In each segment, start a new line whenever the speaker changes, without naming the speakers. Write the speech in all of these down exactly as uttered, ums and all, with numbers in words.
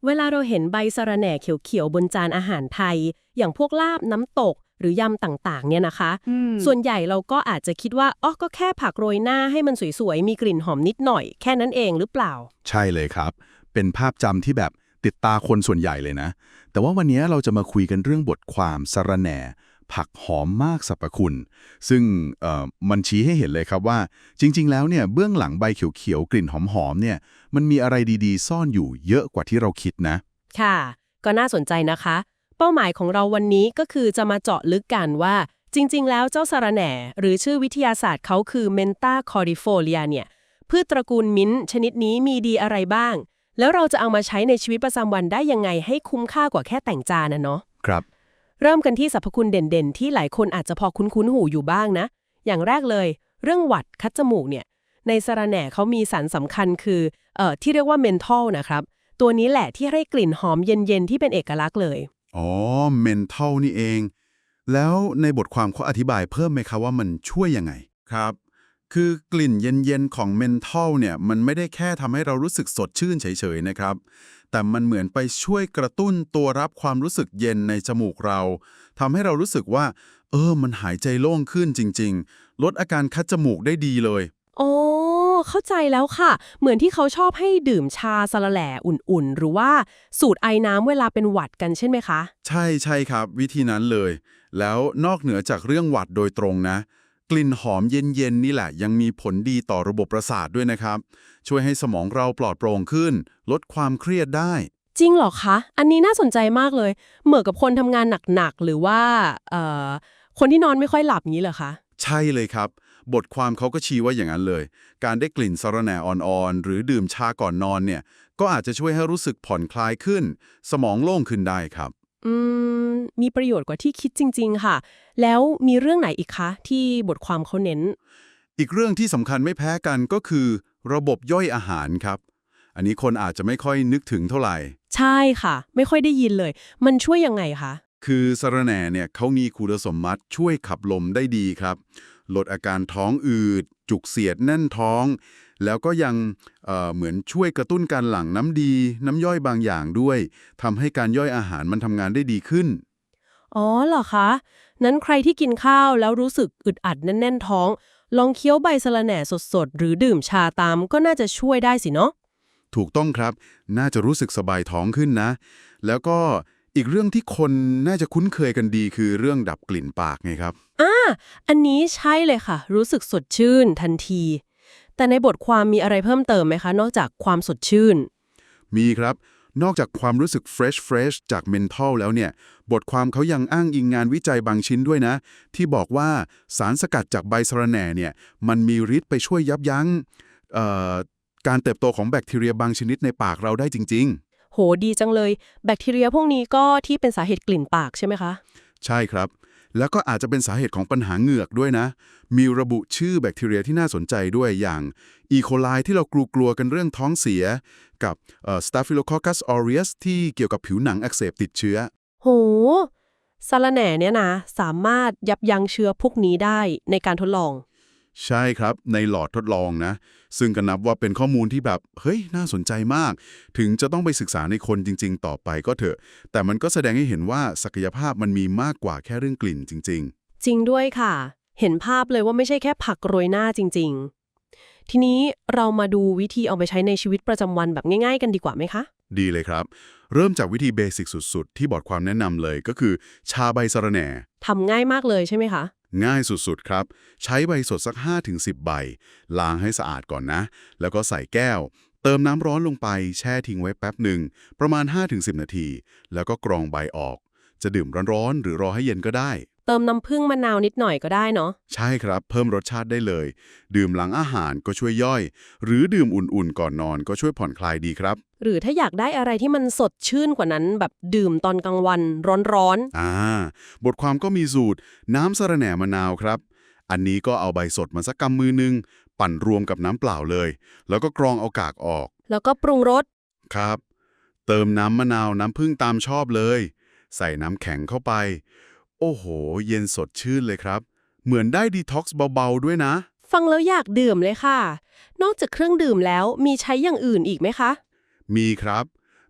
เวลาเราเห็นใบสะระแหน่เขียวๆบนจานอาหารไทยอย่างพวกลาบน้ำตกหรือยำต่างๆเนี่ยนะคะ
อืม
ส่วนใหญ่เราก็อาจจะคิดว่าอ๋อก็แค่ผักโรยหน้าให้มันสวยๆมีกลิ่นหอมนิดหน่อยแค่นั้นเองหรือเปล่า
ใช่เลยครับ เป็นภาพจำที่แบบติดตาคนส่วนใหญ่เลยนะ แต่ว่าวันนี้เราจะมาคุยกันเรื่องบทความสะระแหน่ ผักหอมมากสรรพคุณ ซึ่งเอ่อมันชี้ให้เห็นเลยครับว่าจริงๆแล้วเนี่ยเบื้องหลังใบเขียวๆกลิ่นหอมๆเนี่ยมันมีอะไรดีๆซ่อนอยู่เยอะกว่าที่เราคิดนะ
ค่ะก็น่าสนใจนะคะเป้าหมายของเราวันนี้ก็คือจะมาเจาะลึกกันว่าจริงๆแล้วเจ้าสะระแหน่หรือชื่อวิทยาศาสตร์เขาคือเมนตาคอริโฟเลียเนี่ยพืชตระกูลมิ้นท์ชนิดนี้มีดีอะไรบ้างแล้วเราจะเอามาใช้ในชีวิตประจำวันได้ยังไงให้คุ้มค่ากว่าแค่แต่งจานนะเนาะ
ครับ
เริ่มกันที่สรรพคุณเด่นๆที่หลายคนอาจจะพอคุ้นๆหูอยู่บ้างนะอย่างแรกเลยเรื่องหวัดคัดจมูกเนี่ยในสะระแหน่เขามีสารสำคัญคือเอ่อที่เรียกว่าเมนทอลนะครับตัวนี้แหละที่ให้กลิ่นหอมเย็นๆที่เป็นเอกลักษณ์เลย
อ๋อ mental นี่เอง แล้วในบทความเขาอธิบายเพิ่มไหมครับว่ามันช่วยยังไง ครับ คือกลิ่นเย็นๆของ mental เนี่ยมันไม่ได้แค่ทำให้เรารู้สึกสดชื่นเฉยๆนะครับ แต่มันเหมือนไปช่วยกระตุ้นตัวรับความรู้สึกเย็นในจมูกเราทำให้เรารู้สึกว่า เออ มันหายใจโล่งขึ้นจริงๆ ลดอาการคัดจมูกได้ดีเลย
อ๋อเข้าใจแล้วค่ะเหมือนที่เขาชอบให้ดื่มชาสะระแหน่อุ่นๆหรือว่าสูดไอน้ำเวลาเป็นหวัดกันใช่ไหมคะ
ใช่ใช่ครับวิธีนั้นเลย แล้วนอกเหนือจากเรื่องหวัดโดยตรงนะ กลิ่นหอมเย็นๆนี่แหละยังมีผลดีต่อระบบประสาทด้วยนะครับ ช่วยให้สมองเราปลอดโปร่งขึ้น ลดความเครียดได้
จริงเหรอคะอันนี้น่าสนใจมากเลยเหมือนกับคนทำงานหนักๆหรือว่าเอ่อคนที่นอนไม่ค่อยหลับงี้เหรอคะ
ใช่เลยครับ บทความเขาก็ชี้ว่าอย่างนั้นเลย การได้กลิ่นสะระแหน่อ่อนๆหรือดื่มชาก่อนนอนเนี่ยก็อาจจะช่วยให้รู้สึกผ่อนคลายขึ้น สมองโล่งขึ้นได้ครับ
อืมมีประโยชน์กว่าที่คิดจริงๆค่ะแล้วมีเรื่องไหนอีกคะที่บทความเขาเน้น
อีกเรื่องที่สำคัญไม่แพ้กันก็คือ ระบบย่อยอาหารครับ อันนี้คนอาจจะไม่ค่อยนึกถึงเท่าไหร่
ใช่ค่ะไม่ค่อยได้ยินเลยมันช่วยยังไงคะ
คือสะระแหน่เนี่ยเขามีคุณสมบัติช่วยขับลมได้ดีครับ ลดอาการท้องอืด จุกเสียดแน่นท้อง แล้วก็ยังเอ่อเหมือนช่วยกระตุ้นการหลั่งน้ำดี น้ำย่อยบางอย่างด้วยทำให้การย่อยอาหารมันทำงานได้ดีขึ้น
อ๋อเหรอคะนั้นใครที่กินข้าวแล้วรู้สึกอึดอัดแน่นๆท้องลองเคี้ยวใบสะระแหน่สดๆหรือดื่มชาตามก็น่าจะช่วยได้สิเนาะ
ถูกต้องครับ น่าจะรู้สึกสบายท้องขึ้นนะ แล้วก็อีกเรื่องที่คนน่าจะคุ้นเคยกันดีคือเรื่องดับกลิ่นปากไงครับ
อ่าอันนี้ใช่เลยค่ะ รู้สึกสดชื่นทันที แต่ในบทความมีอะไรเพิ่มเติมไหมคะ นอกจากความสดชื่น
มีครับ นอกจากความรู้สึก fresh fresh จาก mental แล้วเนี่ย บทความเขายังอ้างอิงงานวิจัยบางชิ้นด้วยนะ ที่บอกว่าสารสกัดจากใบสะระแหน่เนี่ย มันมีฤทธิ์ไปช่วยยับยั้งเอ่อการเติบโตของแบคทีเรียบางชนิดในปากเราได้จริง
โหดีจังเลย แบคทีเรียพวกนี้ก็ที่เป็นสาเหตุกลิ่นปากใช่ไหมคะ
ๆ ใช่ครับ แล้วก็อาจจะเป็นสาเหตุของปัญหาเหงือกด้วยนะ มีระบุชื่อแบคทีเรียที่น่าสนใจด้วยอย่าง E. coli ที่เรากลัวๆกันเรื่องท้องเสีย กับเอ่อ Staphylococcus aureus ที่เกี่ยวกับผิวหนังอักเสบติดเชื้อ
โหสะระแหน่เนี่ยนะ สามารถยับยั้งเชื้อพวกนี้ได้ในการทดลอง
ใช่ครับในหลอดทดลองนะ ซึ่งก็นับว่าเป็นข้อมูลที่แบบเฮ้ยน่าสนใจมาก ถึงจะต้องไปศึกษาในคนจริงๆ ต่อไปก็เถอะ แต่มันก็แสดงให้เห็นว่าศักยภาพมันมีมากกว่าแค่เรื่องกลิ่นจริง
จริงด้วยค่ะ เห็นภาพเลยว่าไม่ใช่แค่ผักโรยหน้าจริงๆ ทีนี้เรามาดูวิธีเอาไปใช้ในชีวิตประจำวันแบบง่ายๆกันดีกว่าไหมคะ
ๆ ดีเลยครับ เริ่มจากวิธีเบสิกสุดๆ ที่บอร์ดความแนะนำเลยก็คือ ชาใบสะระแหน่
ทำง่ายมากเลยใช่ไหมคะ
ง่ายสุดๆ ครับ ใช้ใบสดสัก ห้าถึงสิบ ใบ ล้างให้สะอาดก่อนนะ แล้วก็ใส่แก้ว เติมน้ำร้อนลงไปแช่ทิ้งไว้แป๊บหนึ่งประมาณ ห้าถึงสิบ นาที แล้วก็กรองใบออก จะดื่มร้อนๆ หรือรอให้เย็นก็ได้
เติมน้ำผึ้งมะนาวนิดหน่อยก็ได้เนาะ
ใช่ครับ เพิ่มรสชาติได้เลย ดื่มหลังอาหารก็ช่วยย่อย หรือดื่มอุ่นๆ ก่อนนอนก็ช่วยผ่อนคลายดีครับ
หรือถ้าอยากได้อะไรที่มันสดชื่นกว่านั้นแบบดื่มตอนกลางวันร้อน
อ่า บทความก็มีสูตร น้ำสะระแหน่มะนาวครับ อันนี้ก็เอาใบสดมาสักกำมือนึง ปั่นรวมกับน้ำเปล่าเลย แล้วก็กรองเอากากออก
ๆ แล้วก็ปรุงรส
ครับ เติมน้ำมะนาวน้ำผึ้งตามชอบเลย ใส่น้ำแข็งเข้าไป โอ้โห เย็นสดชื่นเลยครับ เหมือนได้ดีท็อกซ์เบาๆด้วยนะ
ฟังแล้วอยากดื่มเลยค่ะ นอกจากเครื่องดื่มแล้วมีใช้อย่างอื่นอีกไหมคะ
มีครับ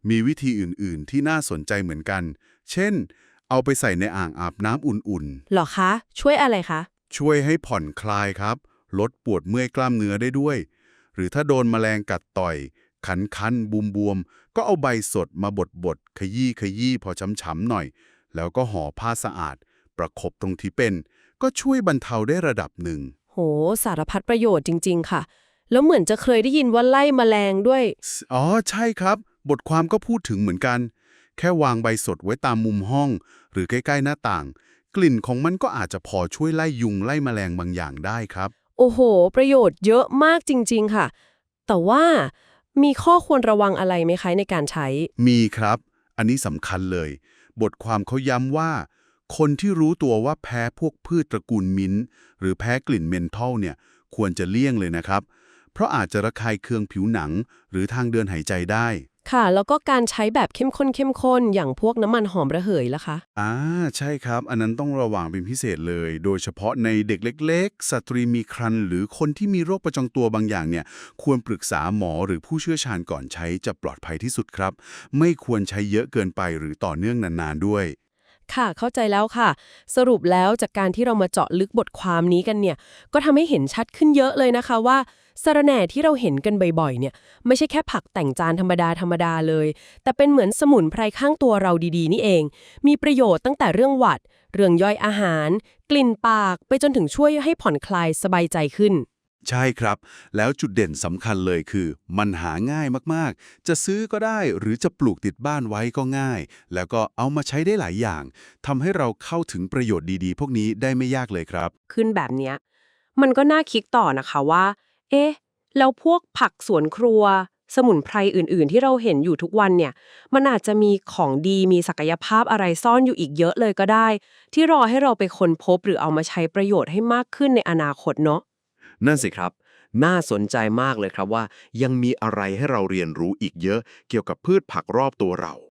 มีวิธีอื่นๆที่น่าสนใจเหมือนกัน เช่น เอาไปใส่ในอ่างอาบน้ำอุ่น
เหรอคะ ช่วยอะไรคะ
ๆ ช่วยให้ผ่อนคลายครับ ลดปวดเมื่อยกล้ามเนื้อได้ด้วย หรือถ้าโดนแมลงกัดต่อย ขันคันบุมบวมๆก็เอาใบสดมาบดๆ ขยี้ขยี้พอช้ำๆหน่อย แล้วก็ห่อผ้าสะอาด ประคบตรงที่เป็น ก็ช่วยบรรเทาได้ระดับหนึ่ง
โห สารพัดประโยชน์จริง ๆ ค่ะ แล้วเหมือนจะเคยได้ยินว่าไล่แมลงด้วย
อ๋อ ใช่ครับ บทความก็พูดถึงเหมือนกัน แค่วางใบสดไว้ตามมุมห้อง หรือใกล้ๆหน้าต่าง กลิ่นของมันก็อาจจะพอช่วยไล่ยุงไล่แมลงบางอย่างได้ครับ
โอ้โห ประโยชน์เยอะมากจริง ๆ ค่ะ แต่ว่ามีข้อควรระวังอะไรไหมคะในการใช้
มีครับ อันนี้สำคัญเลย บทความเขาย้ำว่า คนที่รู้ตัวว่าแพ้พวกพืชตระกูลมิ้นท์หรือแพ้กลิ่นเมนทอลเนี่ย ควรจะเลี่ยงเลยนะครับ เพราะอาจจะระคายเคืองผิวหนัง หรือทางเดินหายใจได้
ค่ะ แล้วก็การใช้แบบเข้มข้นเข้มข้นอย่างพวกน้ำมันหอมระเหยล่ะคะ
อ่าใช่ครับ อันนั้นต้องระวังเป็นพิเศษเลย โดยเฉพาะในเด็กเล็กๆ สตรีมีครรภ์หรือคนที่มีโรคประจำตัวบางอย่างเนี่ย ควรปรึกษาหมอหรือผู้เชี่ยวชาญก่อนใช้จะปลอดภัยที่สุดครับ ไม่ควรใช้เยอะเกินไปหรือต่อเนื่องนานๆด้วย
ค่ะเข้าใจแล้วค่ะ สรุปแล้วจากการที่เรามาเจาะลึกบทความนี้กันเนี่ย ก็ทำให้เห็นชัดขึ้นเยอะเลยนะคะว่าสะระแหน่ที่เราเห็นกันบ่อยๆเนี่ยไม่ใช่แค่ผักแต่งจานธรรมดาธรรมดาเลย แต่เป็นเหมือนสมุนไพรข้างตัวเราดีๆนี่เอง มีประโยชน์ตั้งแต่เรื่องหวัด เรื่องย่อยอาหาร กลิ่นปากไปจนถึงช่วยให้ผ่อนคลายสบายใจขึ้น
ใช่ครับ แล้วจุดเด่นสำคัญเลยคือ มันหาง่ายมากๆ จะซื้อก็ได้หรือจะปลูกติดบ้านไว้ก็ง่าย แล้วก็เอามาใช้ได้หลายอย่างทำให้เราเข้าถึงประโยชน์ดีๆ พวกนี้ได้ไม่ยากเลยครับ
ขึ้นแบบเนี้ยมันก็น่าคิดต่อนะคะว่า เอ๊ะ แล้วพวกผักสวนครัว สมุนไพรอื่น ๆ ที่เราเห็นอยู่ทุกวันเนี่ย มันอาจจะมีของดีมีศักยภาพอะไรซ่อนอยู่อีกเยอะเลยก็ได้ ที่รอให้เราไปค้นพบหรือเอามาใช้ประโยชน์ให้มากขึ้นในอนาคตเนาะ
นั่นสิครับ น่าสนใจมากเลยครับว่ายังมีอะไรให้เราเรียนรู้อีกเยอะเกี่ยวกับพืชผักรอบตัวเรา